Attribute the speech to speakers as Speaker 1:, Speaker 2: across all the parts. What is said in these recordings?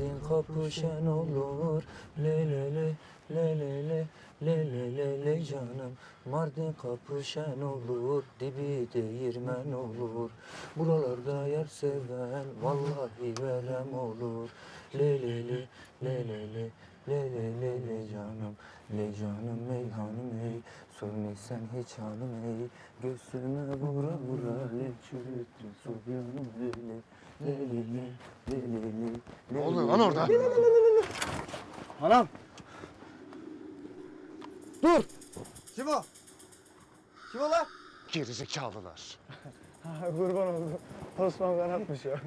Speaker 1: Mardin kapı şen olur. Le le le le le le le le le le canım. Mardin kapı şen olur. Dibi değirmen olur. Buralarda yer seven vallahi verem olur. Le le le le le le le le le le canım. Le canım ey hanım ey. Sormaysan hiç hanım ey. Göğsüme vura vura le çürüttün soğuyanım öyle. Le le le le le le.
Speaker 2: Ne oluyor lan orada?
Speaker 3: Anam! Dur!
Speaker 2: Kim o?
Speaker 3: Kim o lan?
Speaker 2: Gerizekalılar.
Speaker 3: Kurban oldu. Osman kanatmış ya.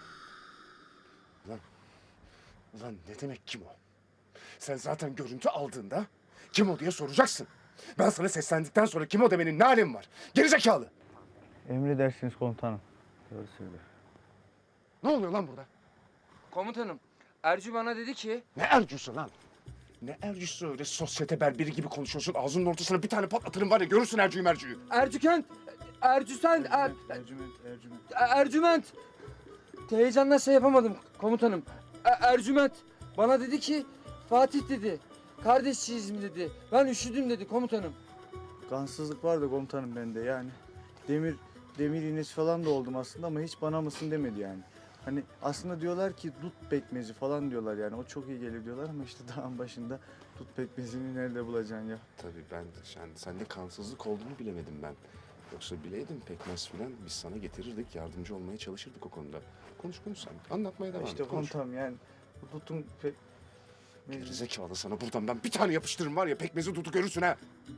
Speaker 2: Ulan ne demek kim o? Sen zaten görüntü aldığında kim o diye soracaksın. Ben sana seslendikten sonra kim o demenin ne alemi var? Gerizekalı.
Speaker 3: Emredersiniz komutanım. Doğru söylüyor.
Speaker 2: Ne oluyor lan burada?
Speaker 1: Komutanım, Ercü bana dedi ki...
Speaker 2: Ne ercüsü lan? Ne ercüsü öyle sosyete berberi gibi konuşuyorsun. Ağzının ortasına bir tane patlatırım var ya, görürsün ercüyü mercüyü.
Speaker 1: Ercükent, Ercüsen,
Speaker 3: Ercüment.
Speaker 1: Ercüment. Heyecanla şey yapamadım komutanım. Ercüment bana dedi ki Fatih dedi. Kardeşçiyiz mi dedi. Ben üşüdüm dedi komutanım.
Speaker 3: Kansızlık var da komutanım bende yani. Demir iğnesi falan da oldum aslında ama hiç bana mısın demedi yani. Hani aslında diyorlar ki dut pekmezi falan diyorlar yani. O çok iyi gelir diyorlar ama işte dağın başında dut pekmezini nerede bulacaksın ya?
Speaker 2: Tabii ben sende kansızlık olduğunu bilemedim ben. Yoksa bileydim pekmez filan biz sana getirirdik, yardımcı olmaya çalışırdık o konuda. Konuş sen, anlatmaya devam et.
Speaker 3: İşte
Speaker 2: Konuş.
Speaker 3: komutanım yani bu dutun
Speaker 2: Gerizekalı, sana buradan ben bir tane yapıştırırım var ya, pekmezi dudu görürsün ha.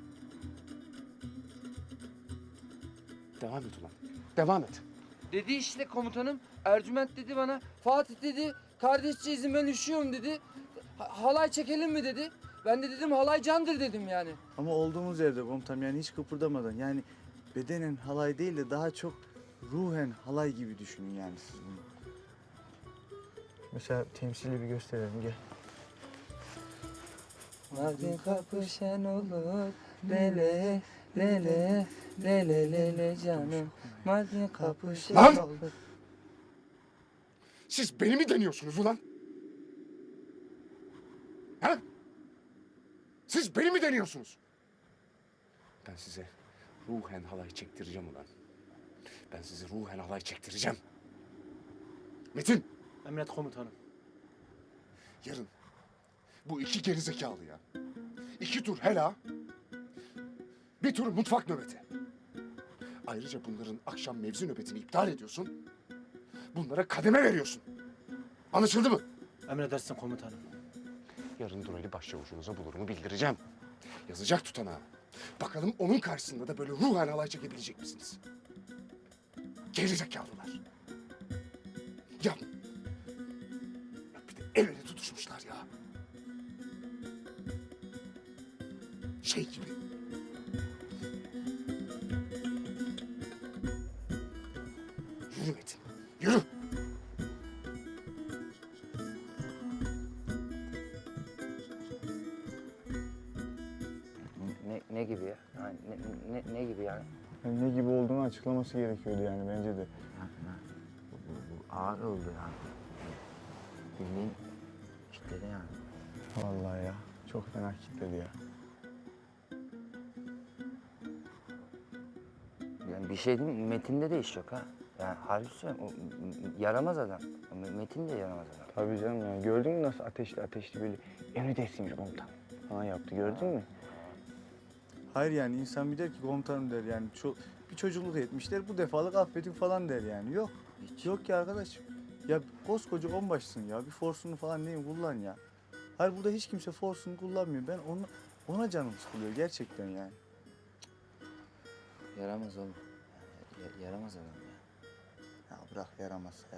Speaker 2: Devam et ulan, devam et.
Speaker 1: Dedi işte komutanım. Ercüment dedi bana. Fatih dedi. Kardeşçiyiz ben üşüyorum dedi. Halay çekelim mi dedi. Ben de dedim halay candır dedim yani.
Speaker 3: ama olduğumuz yerde komutanım yani hiç kıpırdamadan yani bedenen halay değil de daha çok ruhen halay gibi düşünün yani siz bunu. Mesela temsili bir gösterelim gel.
Speaker 1: Mardin kapı şen olur. Lele lele lele lele canım. Mardin kapı şen
Speaker 2: Lan!
Speaker 1: olur.
Speaker 2: Siz beni mi deniyorsunuz ulan? Ha? Siz beni mi deniyorsunuz? Ben size ruhen halay çektireceğim ulan. Ben size ruhen halay çektireceğim. Metin,
Speaker 4: Emret komutanım.
Speaker 2: yarın bu iki gerizekalı ya. 2 tur hela, 1 tur mutfak nöbeti. Ayrıca bunların akşam mevzi nöbetini iptal ediyorsun. Bunlara kademe veriyorsun. Anlaşıldı mı?
Speaker 4: Emredersin komutanım.
Speaker 2: Yarın Durali başçavuşunuza bulurumu bildireceğim. Yazacak tutanağı. Bakalım onun karşısında da böyle ruhen halay çekebilecek misiniz? Gerizekalılar. Ya bir de el ele tutuşmuşlar ya. Şey gibi. Yürü Metin, yürü.
Speaker 1: Ne gibi ya? Yani ne gibi yani?
Speaker 3: Yani ne gibi olduğunu açıklaması gerekiyordu yani bence de.
Speaker 1: Bu ağır oldu yani. Bildiğin kitledi yani.
Speaker 3: Vallahi ya çok fena kilitledi ya.
Speaker 1: Yani bir şey diyeyim mi? Metin'de de iş yok ha. Yani harbi söylüyorum. O yaramaz adam. Metin de yaramaz adam.
Speaker 3: Tabii canım yani gördün mü nasıl ateşli böyle emredersiniz komutan falan yaptı gördün mü? Hayır yani insan bir der ki komutanım der yani bir çocukluk etmişler bu defalık affedin falan der yani yok.
Speaker 1: Hiç.
Speaker 3: Yok ki arkadaş ya koskoca onbaşısın ya bir forsunu falan neyin kullan ya. Hayır burada hiç kimse forsunu kullanmıyor ben ona canım sıkılıyor gerçekten yani.
Speaker 1: Yaramaz oğlum. Yani, yaramaz adam ya.
Speaker 3: Ya bırak yaramaz ya.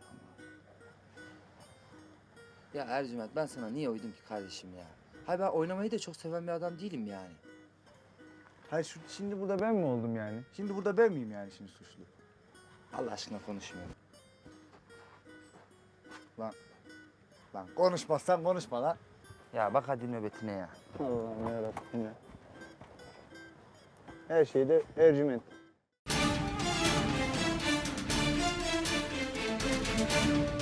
Speaker 1: Ya Ercüment ben sana niye uydum ki kardeşim ya? Hayır ben oynamayı da çok seven bir adam değilim yani.
Speaker 3: Hayır şimdi burada ben mi oldum yani? Şimdi burada ben miyim yani şimdi suçlu?
Speaker 1: Allah aşkına konuşmuyorum.
Speaker 3: Lan konuşmazsan konuşma lan.
Speaker 1: Ya bak hadi nöbetine ya.
Speaker 3: Allah'ım yarabbim ya. Her şeyde Ercüment.